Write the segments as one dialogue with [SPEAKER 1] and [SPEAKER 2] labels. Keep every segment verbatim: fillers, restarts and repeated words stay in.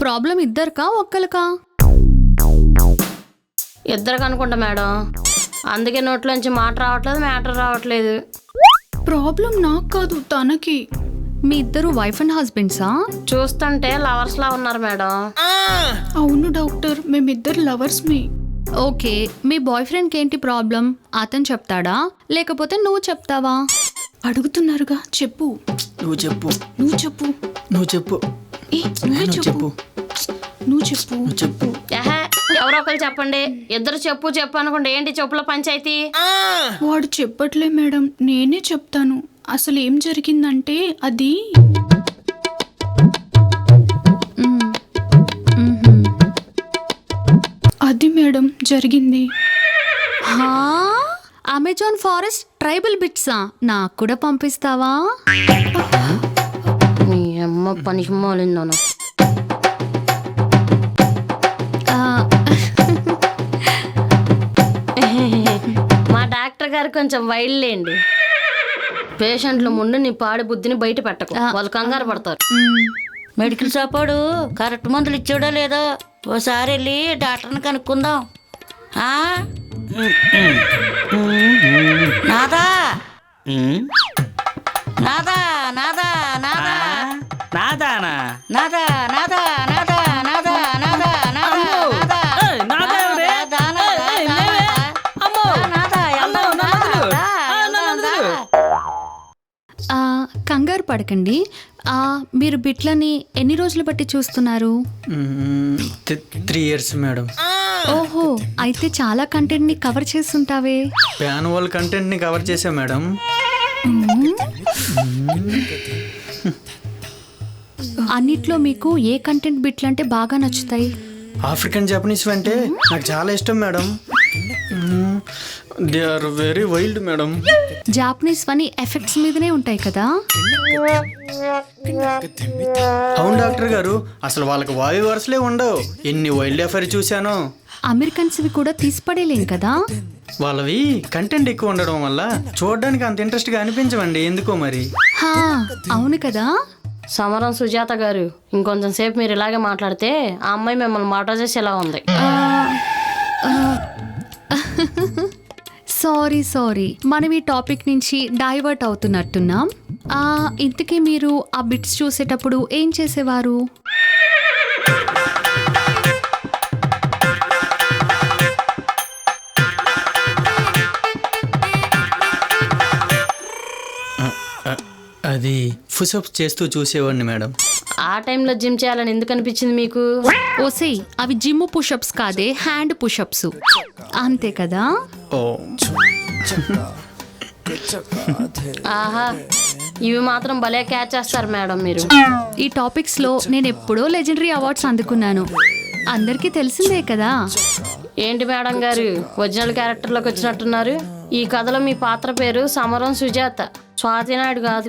[SPEAKER 1] Problem ఇద్దరికా ఒక్కరికా?
[SPEAKER 2] ఇద్దరికి అనుకుంటా madam, అందుకే నోట్లోంచి మాట రావట్లేదు, మ్యాటర్ రావట్లేదు.
[SPEAKER 3] ప్రాబ్లం నాకు కాదు, తనకి.
[SPEAKER 1] మీ ఇద్దరు వైఫ్ అండ్ హస్బెండ్సా?
[SPEAKER 2] చూస్తుంటే లవర్స్ లా ఉన్నారు మేడం.
[SPEAKER 3] అవును డాక్టర్, మేమిద్దరు లవర్స్ మీ.
[SPEAKER 1] ఓకే, మీ బాయ్ ఫ్రెండ్కి ఏంటి ప్రాబ్లం? అతను చెప్తాడా లేకపోతే నువ్వు చెప్తావా?
[SPEAKER 3] అడుగుతున్నారుగా, చెప్పు.
[SPEAKER 4] నువ్వు చెప్పు.
[SPEAKER 3] నువ్వు చెప్పు.
[SPEAKER 4] నువ్వు చెప్పు.
[SPEAKER 3] ఏ నువ్వే
[SPEAKER 4] నువ్వు
[SPEAKER 3] చెప్పు. నువ్వు చెప్పు.
[SPEAKER 4] నువ్వు చెప్పు.
[SPEAKER 2] ఏహే, ఎవరో ఒకరు చెప్పండి. ఇద్దరు చెప్పు చెప్పు అనుకుంటే ఏంటి చెప్పుల పంచాయతీ?
[SPEAKER 3] వాడు చెప్పట్లే మేడం, నేనే చెప్తాను. అసలు ఏం జరిగిందంటే అది
[SPEAKER 1] మ్మ్. మ్మ్హ్మ్.
[SPEAKER 3] అది మేడం జరిగింది.
[SPEAKER 1] హా? అమెజాన్ ఫారెస్ట్ ట్రైబల్ బిట్సా? నాకు కూడా పంపిస్తావా?
[SPEAKER 2] నీ అమ్మ పనికి మాలిందను.
[SPEAKER 1] ఆ,
[SPEAKER 2] మా డాక్టర్ గారు కొంచెం వైల్డ్ లేండి. పేషెంట్ల ముందు నీ పాడి బుద్ధిని బయట పెట్టకు, వాళ్ళు కంగారు పడతారు.
[SPEAKER 1] మ్మ్.
[SPEAKER 5] మెడికల్ షాపోడు కరెక్ట్ మందులు ఇచ్చాడో లేదో ఓసారి వెళ్ళి డాక్టర్ని కనుక్కుందాం. ఆ? నాదా నాదా నాదా నాదా
[SPEAKER 4] నాదానా?
[SPEAKER 5] నాదా నాదా నాదా నాదా నాదా నాదా నాదా
[SPEAKER 4] ఏయ్, నాదా ఎవరే?
[SPEAKER 5] నాదా నాదా
[SPEAKER 4] ఏయ్,
[SPEAKER 5] నాదా
[SPEAKER 4] లేవే. అమ్మో.
[SPEAKER 5] నాదా
[SPEAKER 4] అమ్మో,
[SPEAKER 5] వెళ్దాం,
[SPEAKER 4] నన్ను వదిలు.
[SPEAKER 5] దా,
[SPEAKER 4] ఆ, నన్ను
[SPEAKER 5] వెళ్దాం,
[SPEAKER 4] వదిలు.
[SPEAKER 5] దా.
[SPEAKER 1] ఆ, కంగారు పడకండి. ఆ, మీరు బిట్లని ఎన్ని రోజులు బట్టి చూస్తున్నారు?
[SPEAKER 4] Three years madam.
[SPEAKER 1] ఓహో, అయితే చాలా కంటెంట్ ని కవర్ చేస్తుంటావే.
[SPEAKER 4] ప్యాన్ వాళ్ళ కంటెంట్ ని కవర్ చేసా మేడం.
[SPEAKER 1] అన్నిట్లో మీకు ఏ కంటెంట్ బిట్లు అంటే బాగా నచ్చుతాయి?
[SPEAKER 4] ఆఫ్రికన్ జపనీస్ అంటే నాకు చాలా ఇష్టం madam. They are very wild madam.
[SPEAKER 1] Japanese వని ఎఫెక్ట్స్ మీదనే ఉంటాయి కదా.
[SPEAKER 4] అవును డాక్టర్ గారు, అసలు వాళ్ళకి వాయు వరుసలే ఉండవు. ఎన్ని వైల్డ్ ఎఫైర్ చూశానో.
[SPEAKER 1] అమెరికన్స్వి కూడా తీసిపడేలేం కదా.
[SPEAKER 4] వాళ్ళవి కంటెంట్ ఎక్కువ ఉండడం వల్ల చూడడానికి అంత ఇంట్రెస్ట్గా అనిపించవండి, ఎందుకో మరి.
[SPEAKER 1] హా, అవును కదా.
[SPEAKER 2] సమరం సుజాత గారు, ఇంకొంచెం సేపు మీరు ఇలాగే మాట్లాడితే ఆ అమ్మాయి మిమ్మల్ని మాట చేసేలా ఉంది.
[SPEAKER 1] సారీ సారీ మనం ఈ టాపిక్ నుంచి డైవర్ట్ అవుతున్నట్టున్నాం. ఆ, ఇంతకీ మీరు ఆ బిట్స్ చూసేటప్పుడు ఏం చేసేవారు?
[SPEAKER 4] అది పుషప్స్ చేస్తూ చూసేవాడిని మేడం.
[SPEAKER 2] ఆ టైంలో జిమ్ చేయాలని ఎందుకు అనిపించింది మీకు?
[SPEAKER 1] ఓసే, అవి జిమ్ పుషప్స్ కాదే, హ్యాండ్ పుషప్స్. అంతే కదా.
[SPEAKER 4] ఓ,
[SPEAKER 2] ఆహా, ఇవి మాత్రం భలే క్యాచ్ చేస్తారు మేడం మీరు.
[SPEAKER 1] ఈ టాపిక్స్ లో నేను ఎప్పుడో లెజెండరీ అవార్డ్స్ అందుకున్నాను, అందరికీ తెలిసిందే కదా.
[SPEAKER 2] ఏంటి మేడం గారు, ఒరిజినల్ క్యారెక్టర్లోకి వచ్చినట్టున్నారు. ఈ కథలో మీ పాత్ర పేరు సమరం సుజాత, స్వాతి నాయుడు కాదు.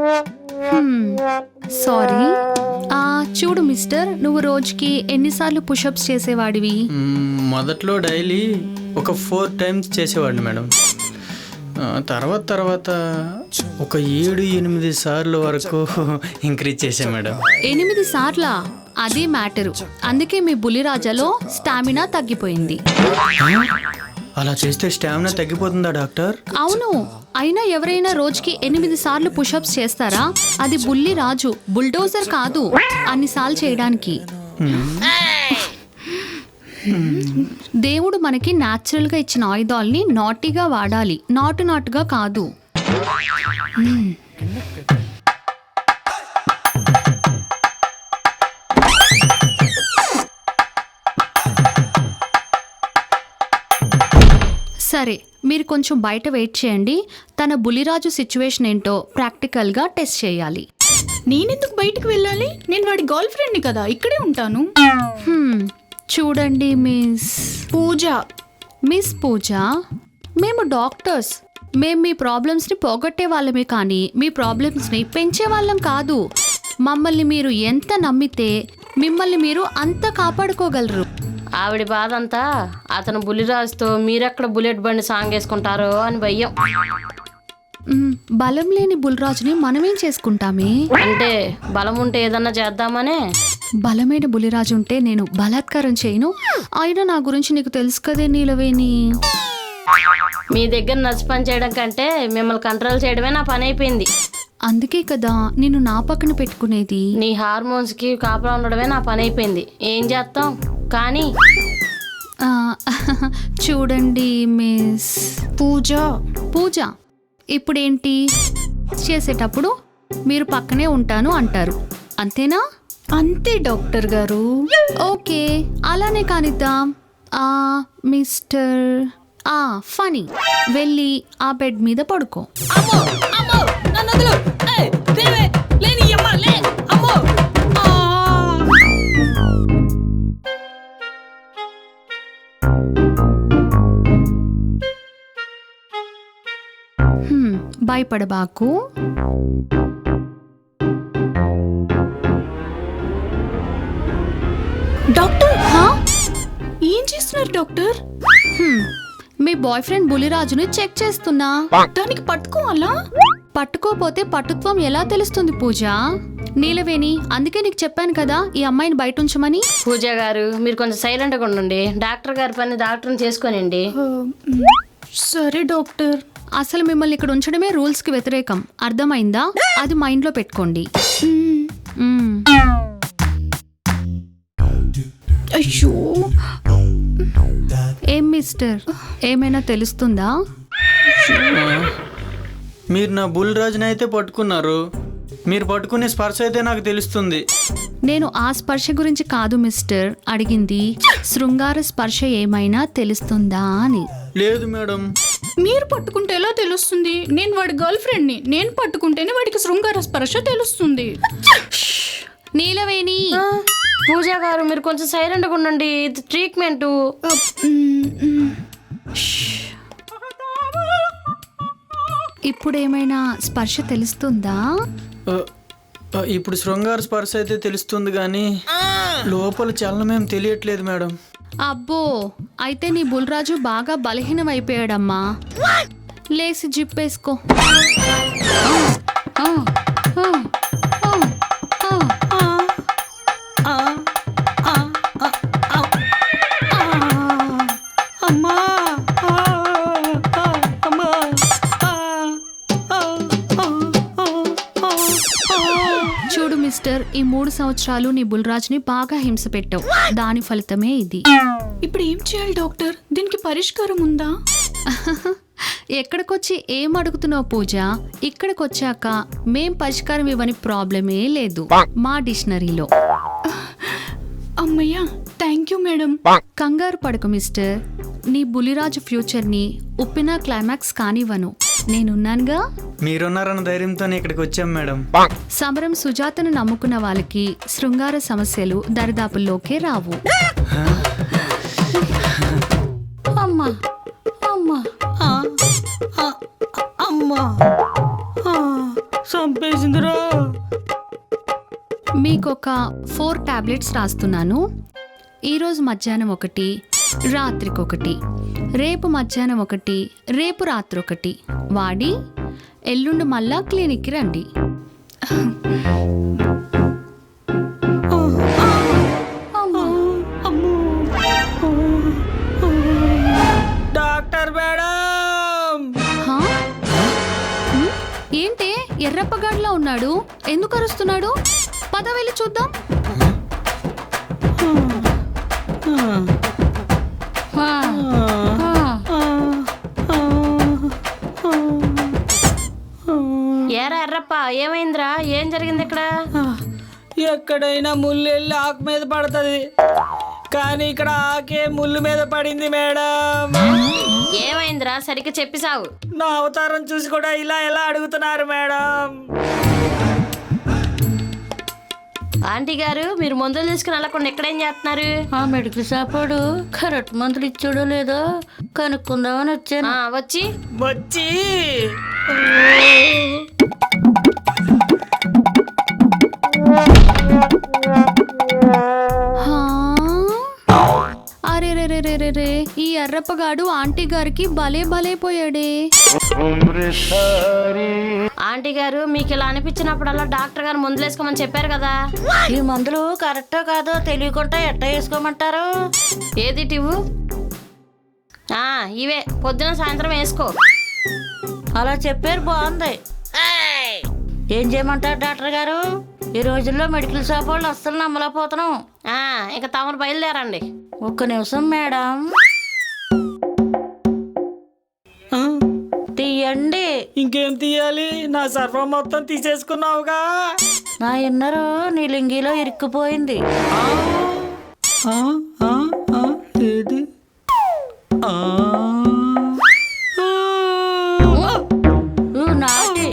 [SPEAKER 1] సారీ. ఆ, చూడు మిస్టర్, నువ్వు రోజుకి ఎన్నిసార్లు పుషప్స్ చేసేవాడివి?
[SPEAKER 4] మ్మ్, మొదట్లో డైలీ ఒక ఫోర్ టైమ్స్ చేసేవాడిని మేడం. ఆ, తర్వాత తర్వాత ఒక ఏడు ఎనిమిది సార్లు వరకు ఇంక్రీజ్ చేశాను మేడం.
[SPEAKER 1] ఎనిమిది సార్లా? అదే మ్యాటరు. అందుకే మీ బులిరాజాలో స్టామినా తగ్గిపోయింది.
[SPEAKER 4] అలా చేస్తే స్టామినా తగ్గిపోతుందా డాక్టర్?
[SPEAKER 1] అవును, అయినా ఎవరైనా రోజుకి ఎనిమిది సార్లు పుషప్స్ చేస్తారా? అది బుల్లి రాజు, బుల్డోజర్ కాదు అన్నిసార్లు చేయడానికి. దేవుడు మనకి న్యాచురల్ గా ఇచ్చిన ఆయుధాలని నాటిగా వాడాలి, నాటు నాటుగా కాదు. సరే, మీరు కొంచెం బయట వెయిట్ చేయండి. తన బులిరాజు సిచ్యువేషన్ ఏంటో ప్రాక్టికల్గా టెస్ట్ చేయాలి.
[SPEAKER 3] నేనెందుకు బయటికి వెళ్ళాలి? నేను వాడి గర్ల్ ఫ్రెండ్ని కదా, ఇక్కడే ఉంటాను.
[SPEAKER 1] హ్మ్, చూడండి మిస్
[SPEAKER 3] పూజ.
[SPEAKER 1] మిస్ పూజ, మేము డాక్టర్స్. మేము మీ ప్రాబ్లమ్స్ని పోగొట్టే వాళ్ళమే కానీ మీ ప్రాబ్లమ్స్ని పెంచే వాళ్ళం కాదు. మమ్మల్ని మీరు ఎంత నమ్మితే మిమ్మల్ని మీరు అంత కాపాడుకోగలరు.
[SPEAKER 2] ఆవిడ బాధ అంతా అతను బులిరాజుతో మీరెక్కడ బుల్లెట్ బండి సాంగ్ వేసుకుంటారో అని భయం.
[SPEAKER 1] మ్, బలం లేని బుల్రాజుని మనమేం చేసుకుంటామే?
[SPEAKER 2] అంటే బలం ఉంటే ఏదన్నా చేద్దామనే.
[SPEAKER 1] బలమైన బులిరాజు ఉంటే నేను బలాత్కారం చేయను. అయినా నా గురించి నీకు తెలుసు కదే నీలవేణి.
[SPEAKER 2] మీ దగ్గర నచ్చి పని చేయడం కంటే మిమ్మల్ని కంట్రోల్ చేయడమే నా పని అయిపోయింది.
[SPEAKER 1] అందుకే కదా నిన్ను నా పక్కన పెట్టుకునేది.
[SPEAKER 2] నీ హార్మోన్స్ కి కాపలా ఉండడమే నా పని అయిపోయింది. ఏం చేస్తాం కానీ
[SPEAKER 1] ఆ, చూడండి మిస్
[SPEAKER 3] పూజ.
[SPEAKER 1] పూజ, ఇప్పుడేంటి చేసేటప్పుడు మీరు పక్కనే ఉంటాను అంటారు, అంతేనా?
[SPEAKER 3] అంతే డాక్టర్ గారు.
[SPEAKER 1] ఓకే, అలానే కానిద్దాం. ఆ మిస్టర్ ఆ ఫనీ, వెళ్ళి ఆ బెడ్ మీద పడుకో. హ్మ్, భయపడబాకు.
[SPEAKER 3] డాక్టర్
[SPEAKER 1] హా?
[SPEAKER 3] ఏం చేస్తున్నారు డాక్టర్?
[SPEAKER 1] హ్మ్, మీ బాయ్ ఫ్రెండ్ బులిరాజుని చెక్ చేస్తున్నా.
[SPEAKER 3] దానికి పట్టుకోవాలా?
[SPEAKER 1] పట్టుకోపోతే పట్టుత్వం ఎలా తెలుస్తుంది పూజ? నీలవేణి, అందుకే నీకు చెప్పాను కదా ఈ అమ్మాయిని బయట ఉంచమని.
[SPEAKER 2] పూజ గారు మీరు కొంచెం సైలెంట్గా ఉండండి. డాక్టర్ గారి పని డాక్టర్ని చేసుకోనండి.
[SPEAKER 3] ఆ, మ్, సరే డాక్టర్.
[SPEAKER 1] అసలు మిమ్మల్ని ఇక్కడ ఉంచడమే రూల్స్ కి వ్యతిరేకం, అర్థమైందా? అది మైండ్ లో పెట్టుకోండి.
[SPEAKER 3] మ్,
[SPEAKER 1] మ్మ్.
[SPEAKER 3] అయ్యో
[SPEAKER 1] ఏం మిస్టర్, ఏమైనా తెలుస్తుందా?
[SPEAKER 4] మీరు నా బుల్ రాజుని అయితే పట్టుకున్నారు, మీరు పట్టుకునే స్పర్శ అయితే నాకు తెలుస్తుంది.
[SPEAKER 1] నేను ఆ స్పర్శ గురించి కాదు మిస్టర్ అడిగింది, శృంగార స్పర్శ ఏమైనా తెలుస్తుందా అని.
[SPEAKER 4] లేదు మేడం.
[SPEAKER 3] మీరు పట్టుకుంటే ఎలా తెలుస్తుంది? నేను వాడి గర్ల్ ఫ్రెండ్ ని. నేను పట్టుకుంటేనే వాడికి శృంగార స్పర్శ తెలుస్తుంది.
[SPEAKER 1] నీలవేణి,
[SPEAKER 2] పూజ గారు మీరు కొంచెం సైలెంట్గా ఉండండి. ఇది ట్రీట్మెంట్.
[SPEAKER 3] ఆ, మ్, మ్.
[SPEAKER 1] ఇప్పుడు ఏమైనా స్పర్శ తెలుస్తుందా?
[SPEAKER 4] ఆ, ఆ, ఇప్పుడు శృంగార స్పర్శ అయితే తెలుస్తుంది కానీ లోపల చలనమేం తెలియట్లేదు మేడం.
[SPEAKER 1] అబ్బో, అయితే నీ బుల్రాజు బాగా బలహీనం అయిపోయాడమ్మా. లేసి జిప్పేసుకో. ఆ, ఆ, ఆ, ఆ, ఆ. చూడు మిస్టర్, ఈ మూడు సంవత్సరాలు నీ బుల్రాజ్ని బాగా హింస పెట్టావు, దాని ఫలితమే ఇది.
[SPEAKER 3] ఇప్పుడు ఏం చేయాలి డాక్టర్? దీనికి పరిష్కారం ఉందా?
[SPEAKER 1] ఎక్కడికొచ్చి ఏం అడుగుతున్నావు పూజ? ఇక్కడికొచ్చాక మేం పరిష్కారం ఇవ్వని ప్రాబ్లమే లేదు మా డిక్షనరీలో.
[SPEAKER 3] అమ్మయ్యా, థ్యాంక్ యూ మేడం.
[SPEAKER 1] కంగారు పడకు మిస్టర్, నీ బులిరాజు ఫ్యూచర్ని ఉప్పిన క్లైమాక్స్ కానివ్వను, నేనున్నానుగా.
[SPEAKER 4] మీరున్నారన్న ధైర్యంతోనే ఇక్కడికి వచ్చాం మేడం.
[SPEAKER 1] సమరం సుజాతను నమ్ముకున్న వాళ్ళకి శృంగార సమస్యలు దరిదాపుల్లోకే రావు.
[SPEAKER 5] అమ్మా అమ్మా అమ్మా చంపేసిందిరా.
[SPEAKER 1] మీకొక ఫోర్ టాబ్లెట్స్ రాస్తున్నాను. ఈరోజు మధ్యాహ్నం ఒకటి, రాత్రికొకటి, రేపు మధ్యాహ్నం ఒకటి, రేపు రాత్రి ఒకటి వాడి ఎల్లుండి మళ్ళా క్లినిక్కి రండి.
[SPEAKER 5] డాక్టర్ మేడం,
[SPEAKER 1] హా? హ్మ్? ఏంటే ఎర్రప్పగాడిలా ఉన్నాడు, ఎందుకు అరుస్తున్నాడు? పద వెళ్ళి చూద్దాం.
[SPEAKER 2] ఏరా ఎర్రప్ప, ఏమైందిరా? ఏం జరిగింది ఇక్కడ?
[SPEAKER 5] ఎక్కడైనా ముళ్ళు వెళ్ళి ఆకు మీద పడుతుంది, కానీ ఇక్కడ ఆకే ముళ్ళు మీద పడింది మేడం.
[SPEAKER 2] ఏమైందిరా? సరిగ్గా చెప్పి సావు.
[SPEAKER 5] నా అవతారం చూసి కూడా ఇలా ఎలా అడుగుతున్నారు మేడం?
[SPEAKER 2] ఆంటీ గారు, మీరు మందులు తీసుకుని వెళ్ళకుండా ఎక్కడేం చేస్తున్నారు?
[SPEAKER 5] ఆ మెడికల్ షాప్ వాడు కరెక్ట్ మందులు ఇచ్చాడో లేదో కనుక్కుందామని వచ్చాను.
[SPEAKER 2] ఆ, వచ్చి
[SPEAKER 5] వచ్చి
[SPEAKER 1] హా? అరే రే రే అరే రే రే ఈ ఎర్రప్పగాడు ఆంటీ గారికి భలే భలే పోయాడే.
[SPEAKER 2] ఆంటీ గారు మీకు ఇలా అనిపించినప్పుడల్లా డాక్టర్ గారు మందులు వేసుకోమని చెప్పారు కదా.
[SPEAKER 6] ఈ మందులు కరెక్టో కాదో తెలియకుండా ఎట్ట వేసుకోమంటారు?
[SPEAKER 2] ఏది టివ్వు? ఆ, ఇవే పొద్దున సాయంత్రం వేసుకో.
[SPEAKER 6] అలా చెప్పారు, బాగుంది. ఏం చేయమంటారు డాక్టర్ గారు? ఈ రోజుల్లో మెడికల్ షాప్ వాళ్ళు అస్సలు నమ్మలేకపోతున్నాం.
[SPEAKER 2] ఆ, ఇక తమరు బయలుదేరండి.
[SPEAKER 6] ఒక్క నిమిషం మేడం,
[SPEAKER 5] ఆ,
[SPEAKER 6] తీయండి.
[SPEAKER 5] ఇంకేం తీయాలి? నా సర్వం మొత్తం తీసేసుకున్నావుగా.
[SPEAKER 6] నా ఇన్నరు నీ లింగిలో ఇరుక్కుపోయింది.
[SPEAKER 5] ఆ, ఆ, ఆ, ఆ, ఏది? ఆ, ఆ.
[SPEAKER 6] ఊ, నాటి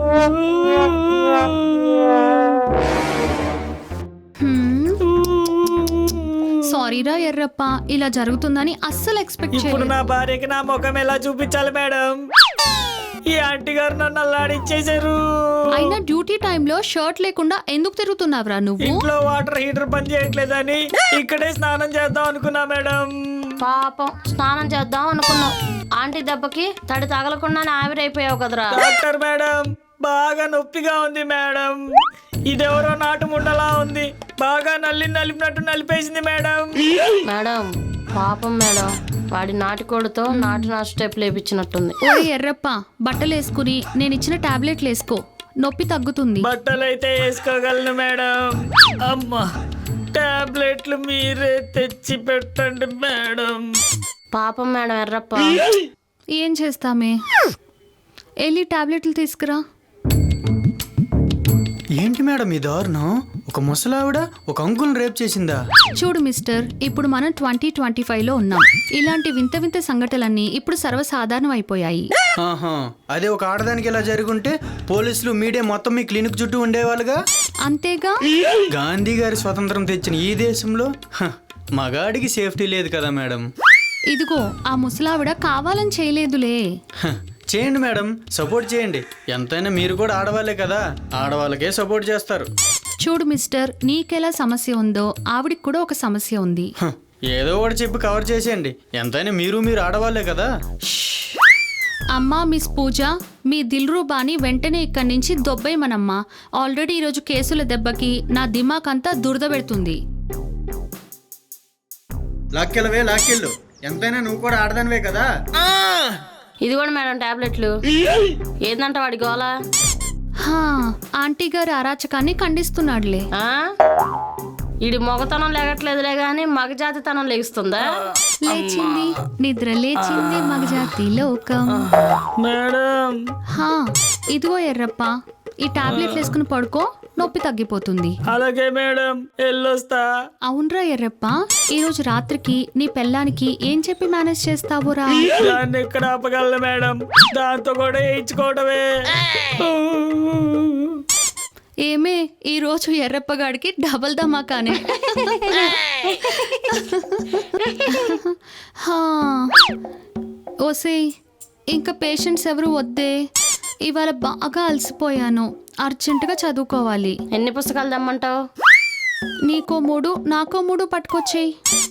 [SPEAKER 1] సారీరా ఎర్రప్ప, ఇలా జరుగుతుందని అస్సలు ఎక్స్పెక్ట్
[SPEAKER 5] ఇప్పుడు
[SPEAKER 1] చేయలేదు.
[SPEAKER 5] నా భార్యకి నా ముఖం ఎలా చూపించాలి మేడం? ఈ ఆంటీ గారు నన్ను అల్లాడిచ్చేసారు.
[SPEAKER 1] అయినా డ్యూటీ టైంలో షర్ట్ లేకుండా ఎందుకు తిరుగుతున్నావురా నువ్వు?
[SPEAKER 5] ఇంట్లో వాటర్ హీటర్ పని చేయట్లేదని ఇక్కడే స్నానం చేద్దాం అనుకున్నా మేడం.
[SPEAKER 2] పాపం స్నానం చేద్దాం అనుకున్నావు, ఆంటీ దెబ్బకి తడి తగలకుండానే ఆవిరైపోయావు కదరా.
[SPEAKER 5] డాక్టర్ మేడం, బాగా నొప్పిగా ఉంది మేడం. ఇదెవరో నాటు ముండలా ఉంది. బాగా నల్లి నలిపినట్టు నలిపేసింది మేడం.
[SPEAKER 2] మేడం పాపం మేడం, వాడి నాటికోడితో నాటు నాటు స్టెప్ లేపించినట్టుంది.
[SPEAKER 1] ఓ ఎర్రప్ప, బట్టలు వేసుకుని నేను ఇచ్చిన టాబ్లెట్లు వేసుకో, నొప్పి తగ్గుతుంది.
[SPEAKER 5] బట్టలైతే వేసుకోగలను మేడం. అమ్మా, టాబ్లెట్లు మీరే తెచ్చి పెట్టండి మేడం.
[SPEAKER 2] పాపం మేడం ఎర్రప్ప.
[SPEAKER 1] ఏం చేస్తామే, వెళ్ళి టాబ్లెట్లు తీసుకురా.
[SPEAKER 4] ఏంటి మేడం ఈ దారుణం? ఒక ముసలావిడ ఒక అంకుల్ని రేప్ చేసిందా?
[SPEAKER 1] చూడు మిస్టర్, ఇప్పుడు మనం ట్వంటీ ట్వంటీ ఫైవ్ లో ఉన్నాం. ఇలాంటి వింత వింత సంఘటనలన్నీ ఇప్పుడు సర్వసాధారణం అయిపోయాయి.
[SPEAKER 4] ఆహా, అదే ఒక ఆడదానికి ఇలా జరుగుంటే పోలీసులు మీడియా మొత్తం మీ క్లినిక్ చుట్టూ ఉండేవాళ్ళుగా.
[SPEAKER 1] అంతేగా.
[SPEAKER 4] గాంధీ గారి స్వతంత్రం తెచ్చిన ఈ దేశంలో హ, మగాడికి సేఫ్టీ లేదు కదా మేడం.
[SPEAKER 1] ఇదిగో ఆ ముసలావిడ కావాలని చేయలేదులే.
[SPEAKER 4] హ, చేయండి మేడం, సపోర్ట్ చేయండి. ఎంతైనా మీరు కూడా ఆడవాళ్ళే కదా, ఆడవాళ్ళకే సపోర్ట్ చేస్తారు.
[SPEAKER 1] చూడు మిస్టర్, నీకెలా సమస్య ఉందో ఆవిడికి కూడా ఒక సమస్య ఉంది.
[SPEAKER 4] హ, ఏదో ఒకటి చెప్పి కవర్ చేసేయండి. ఎంతైనా మీరు మీరు ఆడవాళ్ళే కదా.
[SPEAKER 1] అమ్మా మిస్ పూజ, మీ దిల్రూబాని వెంటనే ఇక్కడి నుంచి దొబ్బేయమనమ్మా. ఆల్రెడీ ఈరోజు కేసుల దెబ్బకి నా దిమాక్ అంతా దురద పెడుతుంది.
[SPEAKER 4] లాక్కెళ్ళవే లాక్కెళ్ళు, ఎంతైనా నువ్వు కూడా ఆడదానివే కదా.
[SPEAKER 2] ఇది కూడా మేడం టాబ్లెట్లు. ఏందంట వాడి గోల?
[SPEAKER 1] హా, ఆంటీ గారి అరాచకాన్ని ఖండిస్తున్నాడులే.
[SPEAKER 2] ఆ? ఈడి మొగతనం లేగట్లేదులే గాని మగజాతితనం లెగుస్తుందా?
[SPEAKER 1] లేచింది నిద్ర లేచింది మగజాతి లోకం.
[SPEAKER 5] మేడం,
[SPEAKER 1] హా, ఇదిగో ఎర్రప్ప, ఈ టాబ్లెట్లు వేసుకుని పడుకో, నొప్పి తగ్గిపోతుంది.
[SPEAKER 5] అలాగే మేడం, వెళ్ళొస్తా.
[SPEAKER 1] అవునరా ఎర్రప్ప, ఈ రోజు రాత్రికి నీ పెళ్ళానికి ఏం చెప్పి మేనేజ్ చేస్తావురా?
[SPEAKER 5] దాన్ని ఎక్కడ ఆపగలను మేడం? దాంతో కూడా వేయించుకోవడమే.
[SPEAKER 1] ఏమే, ఈ రోజు ఎర్రప్పగాడికి డబల్ ధమాకానే. హా, ఓసేయ్, ఇంకా పేషెంట్స్ ఎవరు వద్దే. ఇవాళ బాగా అలసిపోయాను, అర్జెంటుగా చదువుకోవాలి.
[SPEAKER 2] ఎన్ని పుస్తకాలు తెమ్మంటావు?
[SPEAKER 1] నీకో మూడు నాకో మూడు పట్టుకొచ్చేయి.